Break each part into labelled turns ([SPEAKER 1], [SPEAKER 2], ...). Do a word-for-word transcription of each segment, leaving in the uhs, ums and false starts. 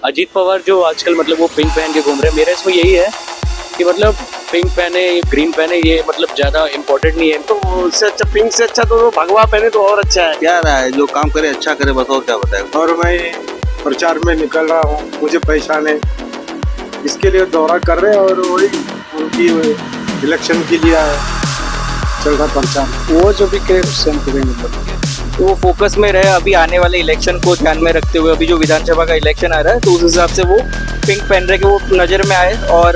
[SPEAKER 1] अजीत पवार जो आजकल मतलब वो पिंक पहन के घूम रहे हैं, मेरा इसमें यही है कि मतलब पिंक पहने ग्रीन पहने ये मतलब ज़्यादा इम्पोर्टेंट नहीं है।
[SPEAKER 2] तो उससे अच्छा पिंक से अच्छा तो वो भगवा पहने तो और अच्छा है।
[SPEAKER 3] क्या रहा है, जो काम करे अच्छा करे, बस और क्या बताए।
[SPEAKER 4] और मैं प्रचार में निकल रहा हूँ, मुझे पहचाने इसके लिए दौरा कर रहे हैं और वही उनकी इलेक्शन के लिए चल रहा प्रचार।
[SPEAKER 5] वो जो भी करे उससे हमको भी मतलब तो वो फोकस में रहे। अभी आने वाले इलेक्शन को ध्यान में रखते हुए अभी जो विधानसभा का इलेक्शन आ रहा है तो उस हिसाब से वो पिंक पहन रहे कि वो नज़र में आए और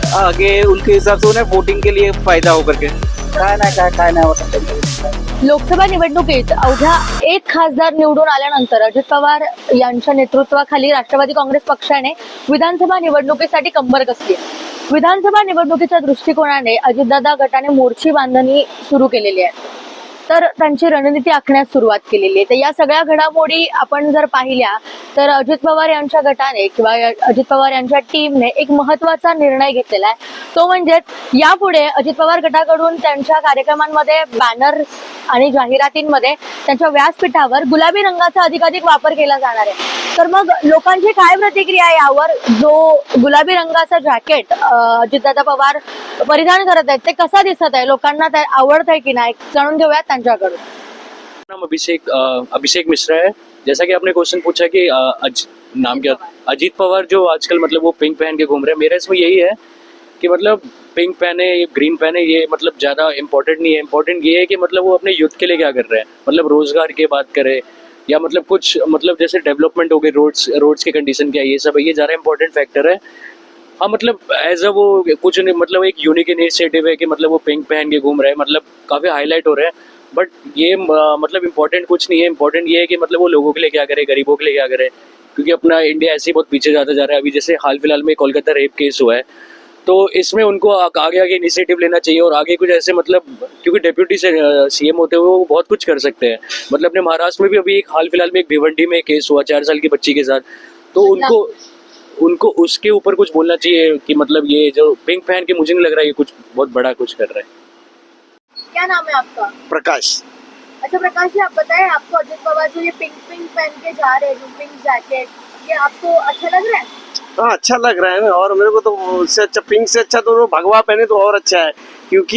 [SPEAKER 5] आगे उनके हिसाब से उन्हें वोटिंग के लिए फायदा हो करके
[SPEAKER 4] काय नाही काय काय नाही होत।
[SPEAKER 6] लोकसभा निवडणुकीत अवघ्या एक खासदार निवडून आल्यानंतर अजित पवार यांच्या नेतृत्वाखाली राष्ट्रवादी काँग्रेस पक्षाने विधानसभा निवडणुकीसाठी कंबर कसली आहे. विधानसभा निवडणुकीच्या दृष्टिकोनाने अजितदादा गटाने मोर्ची बांधणी सुरू केलेली आहे, तर त्यांची रणनीती आखण्यास सुरुवात केलेली आहे. तर या सगळ्या घडामोडी आपण जर पाहिल्या तर अजित पवार यांच्या गटाने किंवा अजित पवार यांच्या टीमने एक महत्त्वाचा निर्णय घेतलेला आहे. तो म्हणजे यापुढे अजित पवार गटाकडून त्यांच्या कार्यक्रमांमध्ये बॅनर आणि जाहिरातींमध्ये त्यांच्या व्यासपीठावर गुलाबी रंगाचा अधिकाधिक वापर केला जाणार आहे. तर मग लोकांची काय प्रतिक्रिया आहे यावर? जो गुलाबी रंगाचा जॅकेट अजितदादा पवार परिधान करत आहेत ते कसा दिसत आहे, लोकांना ते आवडत आहे की नाही, जाणून घेऊयात त्यांच्याकडून.
[SPEAKER 1] नाम अभिषेक अ, अभिषेक मिश्रा है। जैसा कि आपने क्वेश्चन पूछा कि अ, अज, नाम क्या, अजीत पवार जो आजकल मतलब वो पिंक पहन के घूम रहे हैं, मेरा इसमें यही है कि मतलब पिंक पहने ग्रीन पहने ये मतलब ज़्यादा इम्पोर्टेंट नहीं है। इम्पोर्टेंट ये है कि मतलब वो अपने यूथ के लिए क्या कर रहे हैं, मतलब रोज़गार की बात करें या मतलब कुछ मतलब जैसे डेवलपमेंट हो गई, रोड्स रोड्स की कंडीशन क्या है, ये सब है, ये ज़्यादा इंपॉर्टेंट फैक्टर है। हाँ मतलब एज अ वो कुछ नहीं, मतलब एक यूनिक इनिशिएटिव है कि मतलब वो पिंक पहन के घूम रहे हैं, मतलब काफ़ी हाईलाइट हो रहे हैं। बट ये अ, मतलब इम्पोर्टेंट कुछ नहीं है। इम्पोर्टेंट ये है कि मतलब वो लोगों के लिए क्या करे, गरीबों के लिए क्या करे, क्योंकि अपना इंडिया ऐसे ही बहुत पीछे जाता जा रहा है। अभी जैसे हाल फिलहाल में कोलकाता रेप केस हुआ है, तो इसमें उनको आ- आगे आगे इनिशिएटिव लेना चाहिए और आगे कुछ ऐसे मतलब, क्योंकि डेप्यूटी से सीएम होते हुए वो बहुत कुछ कर सकते हैं। मतलब अपने महाराष्ट्र में भी अभी एक हाल फिलहाल में एक भिवंडी में केस हुआ चार साल की बच्ची के साथ, तो उनको उनको उसके ऊपर कुछ बोलना चाहिए कि मतलब ये जो पिंक पहन के मुझे नहीं लग रहा है ये कुछ बहुत बड़ा कुछ कर रहा है।
[SPEAKER 6] क्या नाम है आपका?
[SPEAKER 2] प्रकाश।
[SPEAKER 6] अच्छा प्रकाश जी, आप बताएं, आपको अजित पवार जो ये पिंक पिंक पहन के जा रहे हैं, जो पिंक जैकेट, ये आपको अच्छा लग रहा है?
[SPEAKER 2] हाँ अच्छा लग रहा है ना, और मेरे को तो उससे अच्छा पिंक से अच्छा तो वो भगवा पहने तो और अच्छा है, क्योंकि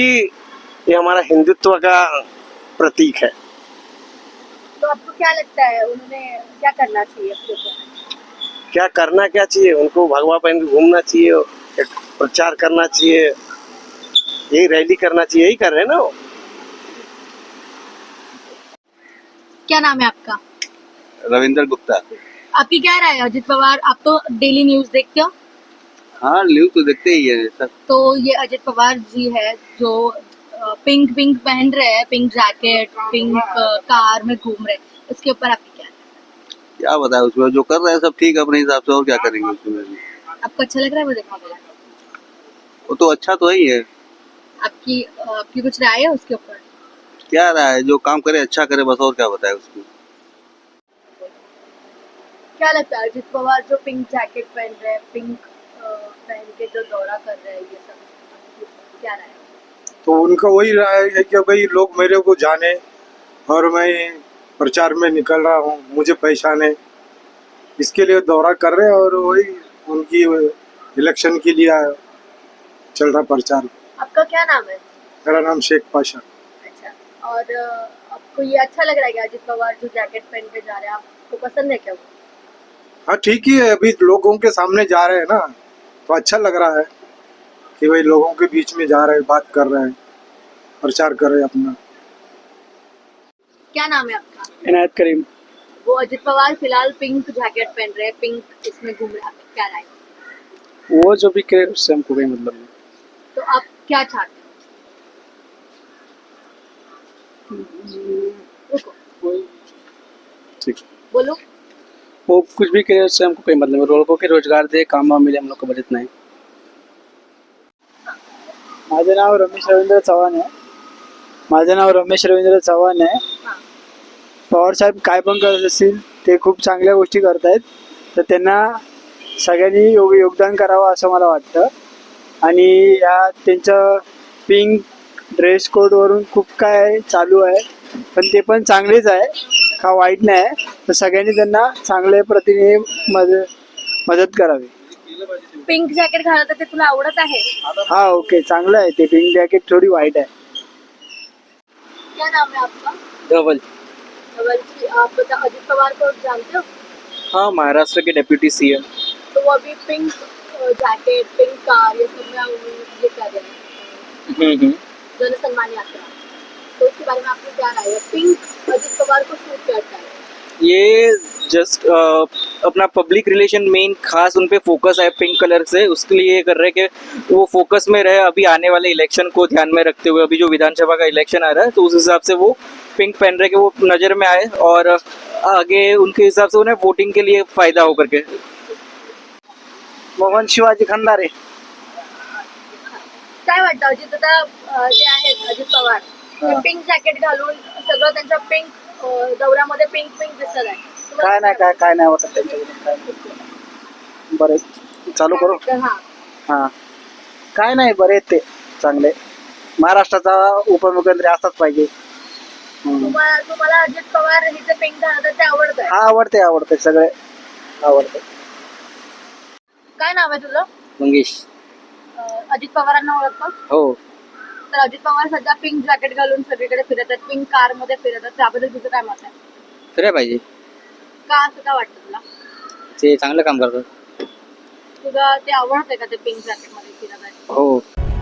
[SPEAKER 2] ये हमारा हिंदुत्व का प्रतीक है।
[SPEAKER 6] तो आपको क्या लगता है उन्होंने क्या करना चाहिए उसके ऊपर?
[SPEAKER 2] क्या करना क्या चाहिए, उनको भगवा पहन के घूमना चाहिए, एक प्रचार करना चाहिए, यही रैली करना चाहिए, यही कर रहे हैं ना वो।
[SPEAKER 6] क्या नाम है आपका?
[SPEAKER 3] रविंद्र गुप्ता।
[SPEAKER 6] आपकी क्या राय है अजित पवार? आप तो डेली न्यूज देखते हो,
[SPEAKER 3] हाँ न्यूज तो देखते ही है सर।
[SPEAKER 6] तो ये अजित पवार जी है जो अ, पिंक पिंक पहन रहे हैं, पिंक जैकेट, पिंक अ, कार में घूम रहे हैं, उसके ऊपर आपकी क्या राय है?
[SPEAKER 3] क्या बताए, उसमें जो कर रहे हैं सब ठीक है अपने हिसाब से, और क्या करेंगे उसमें भी।
[SPEAKER 6] आपको अच्छा लग रहा है वो देखने में?
[SPEAKER 3] वो तो अच्छा तो ही है।
[SPEAKER 6] आपकी अ, आपकी कुछ राय है उसके ऊपर?
[SPEAKER 3] क्या रहा है, जो काम करे अच्छा करे, बस और क्या बताए उसमें।
[SPEAKER 6] क्या लगता है अजित पवार जो पिंक जैकेट पहन रहे हैं, पिंक अ, पहन के जो दौरा कर रहे हैं, ये सब क्या राय है?
[SPEAKER 4] तो उनका वही राय है कि भाई लोग मेरे को जाने और मैं प्रचार में निकल रहा हूँ, मुझे पहचाने इसके लिए दौरा कर रहे हैं और वही उनकी इलेक्शन के लिए चल रहा प्रचार।
[SPEAKER 6] आपका क्या नाम है?
[SPEAKER 4] मेरा नाम शेख पाशा।
[SPEAKER 6] अच्छा, और अ, आपको ये अच्छा लग रहा है कि अजित पवार जो जैकेट पहन के जा रहे हैं, आपको पसंद है क्या वो?
[SPEAKER 4] हाँ ठीक ही है, अभी लोगों के सामने जा रहे हैं ना, तो अच्छा लग रहा है कि भाई लोगों के बीच में जा रहे हैं, बात कर रहे हैं, प्रचार कर रहे हैं अपना।
[SPEAKER 6] क्या नाम है आपका?
[SPEAKER 5] इनायत करीम।
[SPEAKER 6] वो अजित पवार फिलहाल पिंक जैकेट पहन रहे हैं, पिंक इसमें घूम रहे हैं, आपकी क्या राय है?
[SPEAKER 5] वो जो भी करे उससे हमको भी मतलब नहीं।
[SPEAKER 6] तो आप क्या चाहते हो? रुको,
[SPEAKER 5] ठीक,
[SPEAKER 6] बोलो।
[SPEAKER 5] वो कुछ भी करे उससे हमको कोई मतलब नहीं। लोगों के रोजगार दे, काम वाम मिले, हम लोग को बजट नाही.
[SPEAKER 7] माझं नाव रमेश रवींद्र चव्हाण आहे माझं नाव रमेश रवींद्र चव्हाण आहे पवार साहेब काय पण करत असतील ते खूप चांगल्या गोष्टी करतायत, तर त्यांना सगळ्यांनी योग योगदान करावं असं मला वाटतं. आणि या त्यांचं पिंक ड्रेस कोडवरून खूप काय चालू आहे, पण ते पण चांगलेच आहे, का वाईट नाही आहे. तर सगळ्यांनी त्यांना चांगल्या प्रतीने मध्ये मदत करावी.
[SPEAKER 6] पिंक जॅकेट घालत आहे ते तुला आवडत आहे?
[SPEAKER 7] हा ओके, चांगलं आहे ते. पिंक जॅकेट थोडी वाईट आहे.
[SPEAKER 6] क्या नाम है आपका?
[SPEAKER 5] धवल.
[SPEAKER 6] धवल जी, आप बता अजित पवार को जानते हो?
[SPEAKER 5] हाँ, महाराष्ट्र के डेप्यूटी सीएम.
[SPEAKER 6] तो वो अभी पिंक जैकेट, पिंक कार, ये सब में ये कर रहे हैं
[SPEAKER 5] हम्म हम्म.
[SPEAKER 6] जन सम्मान यात्रा. तो उसके बारे में आपकी क्या राय है? पिंक अजित पवार को सूट करता है?
[SPEAKER 5] ये जस्ट अपना पब्लिक रिलेशन मेन खास उन पे फोकस है पिंक कलर से, उसके लिए ये कर रहे हैं कि वो फोकस में रहे अभी आने वाले इलेक्शन को ध्यान में रखते हुए. अभी जो विधानसभा का इलेक्शन आ रहा है तो उस हिसाब से वो पिंक पहन रहे कि वो नज़र में आए और आगे उनके हिसाब से उन्हें वोटिंग के लिए फायदा हो करके.
[SPEAKER 2] मोहन शिवाजी खंडारे.
[SPEAKER 6] काय वाटतं अजित दादा अं, जे आहेत अजित पवार ते पिंक जॅकेट घालून सगळं त्यांच्या पिंक दौऱ्यामध्ये पिंक पिंक दिसत आहे. तुम्हाला
[SPEAKER 2] काय नाही काय काय नाही वाटत त्यांच्याकडून. काय नाही. बरे चालू करू.
[SPEAKER 6] वाटतं? हा.
[SPEAKER 2] हा काय नाही, बरे आहेत ते, चांगले. महाराष्ट्राचा उपमुख्यमंत्री असाच पाहिजे.
[SPEAKER 6] तुम्हाला तुम्हाला अजित पवार हे जे पिंक घालतात ते आवडत आहे?
[SPEAKER 2] हा आवडते आवडते सगळे आवडते.
[SPEAKER 6] काय नाव आहे तुझं?
[SPEAKER 5] मंगेश.
[SPEAKER 6] अं, अजित पवारांना ओळखतो?
[SPEAKER 5] हो.
[SPEAKER 6] तर अजित पवार सध्या पिंक जॅकेट घालून सगळीकडे फिरत आहेत, पिंक कार मध्ये फिरत आहेत. त्याबद्दल तुझं काय मत आहे?
[SPEAKER 5] फिराय पाहिजे,
[SPEAKER 6] का असं का वाटतं तुला?
[SPEAKER 5] ते चांगलं काम करतात.
[SPEAKER 6] तुला ते आवडतंय का ते पिंक जॅकेट मध्ये फिरत आहे?
[SPEAKER 5] हो.